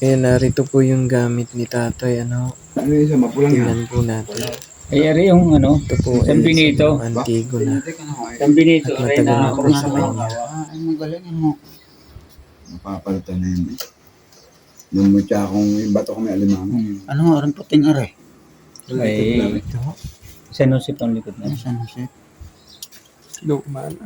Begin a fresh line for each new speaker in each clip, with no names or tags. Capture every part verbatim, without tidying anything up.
Kaya narito po yung gamit ni tatay. Ano,
Ano yung isa, mapulang yan?
tingnan po natin.
Ay, ari yung ano,
Ito po
San
ay
Benito.
sa Antigo na.
San Benito,
At
ay
matagal
na
na po
cross
sa
na
kanya.
Ah, ay magaling ano. Mapapalitan na yun. Yung mutya akong yung bato ko may alimango.
Hmm.
Ano nga, rin puting are?
Ay, San Jose pang likod na.
Ano siya, ano siya?
Luma na.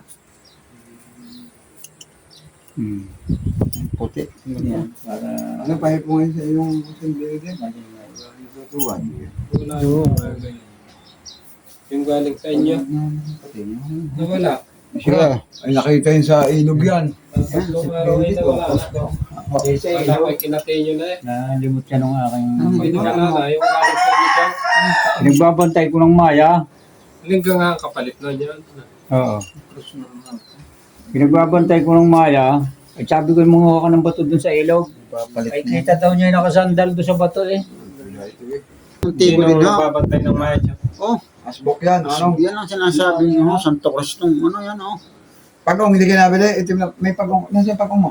Hmm.
Puti.
Yan, para
Ano pa po ngayon sa iyong sandali din? Tutuwan.
Yung, yung galing sa inyo, nawala.
Siya, ay nakita yun sa ilog yan.
Tatlong araw ay nawala. Wala ko, kinatay nyo na eh.
nalimot siya nung aking...
Hindi na nalala, yung galing sa inyo dyan.
Nagbabantay ko ng Maya.
Lingga nga ang kapalit na dyan.
Oo. Pinagbabantay ko ng Maya. Ay sabi ko, mga ka ng bato dun sa ilog.
Papalit
Ay
na.
kita daw niya yung nakasandal doon sa bato eh.
Ang tibo din na.
nagbabantay ng maya dyan?
Oh,
Asbok yan, ano?
yan ang sinasabi niyo, oh, Santo Cristo. Ano yan, oh.
Pagong, hindi ka nabili, itim na, may pagong, nasa yung pagong mo?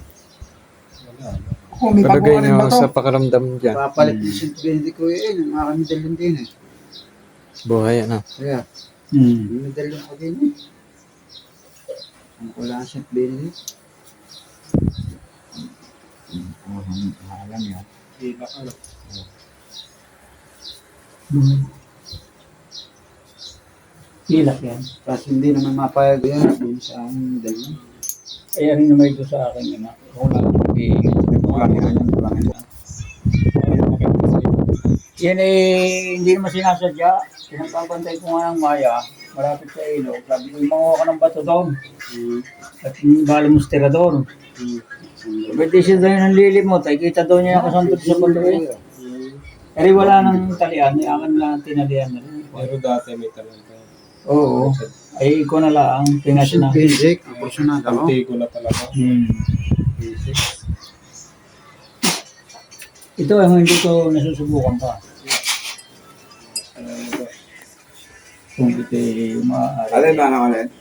Ako, may
Palagay
pagong ka rin
nyo
ba to?
sa pakaramdam dyan.
Papalit ni Saint Benedict ko eh, ng aking medalyon din eh.
Buhay, ano.
Kaya,
Hmm.
yung medalyon ko din eh. Ang wala ang Saint Benedict.
Oo, alam yan.
Iba ka.
Hilak yan.
Tapos hindi naman mapayag yan dun sa aking medalyon.
Ay ano naman ito sa akin yun. Ako lang mag-iingat.
Kulang yan, yan, kulang yan.
Yan eh, hindi naman sinasadya. Pinagbabantay ko nga ng Maya, malapit sa ilog. Sabi ko, manguha ka ng bato doon. At bala mo tirador. Pwede siya doon ng lilimot. Ay kita doon niya kasantod sa bato eh. Pero wala nang talian. Ay akin lang tinalian na rin.
Pero dati may talaga.
Oo. Ay ikaw na lang. Pinas na.
Saint Benedict, ang kursunada ko.
Antay ko na talaga.
Hmm. Ito ang hindi ko nasusubukan pa. Kung ito ay maaari.
Alin ba na alin?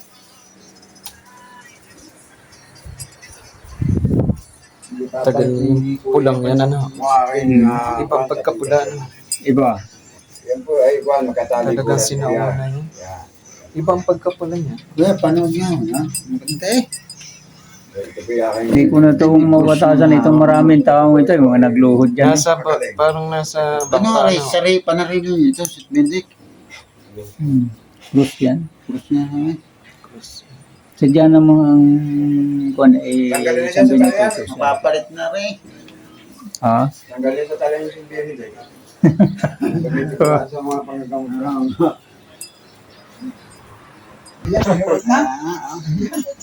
Tagal yung pulang yan, ano.
Mukha kayo na...
Ibang pagkapula, ano.
Iba.
Yan po ay kuhan, magkatali
Talagang
yan.
sinauna yun.
Yan.
Ibang pagkapula niya.
Kaya, panood niya, ha? Maganda eh.
Ito po yung aking...
Hindi ko na itong mabatasan itong maraming taong ito. Yung mga nagluhod dyan.
Nasa, ba, parang nasa
Ano,
bangka,
Ray,
ano.
sari, panarinig niyo ito, Saint Benedict.
Hmm. Cruz yan.
Cross niya kami.
Sadya namang ang kuwan ay
Tanggalin na
isang
dyan sa
Benito.
tayan.
Mapapalit na rin.
Ha?
Tanggalin sa tala yung simbiyan nito. Dito ka sa mga panggagamot na. Yan,
Ah, ah.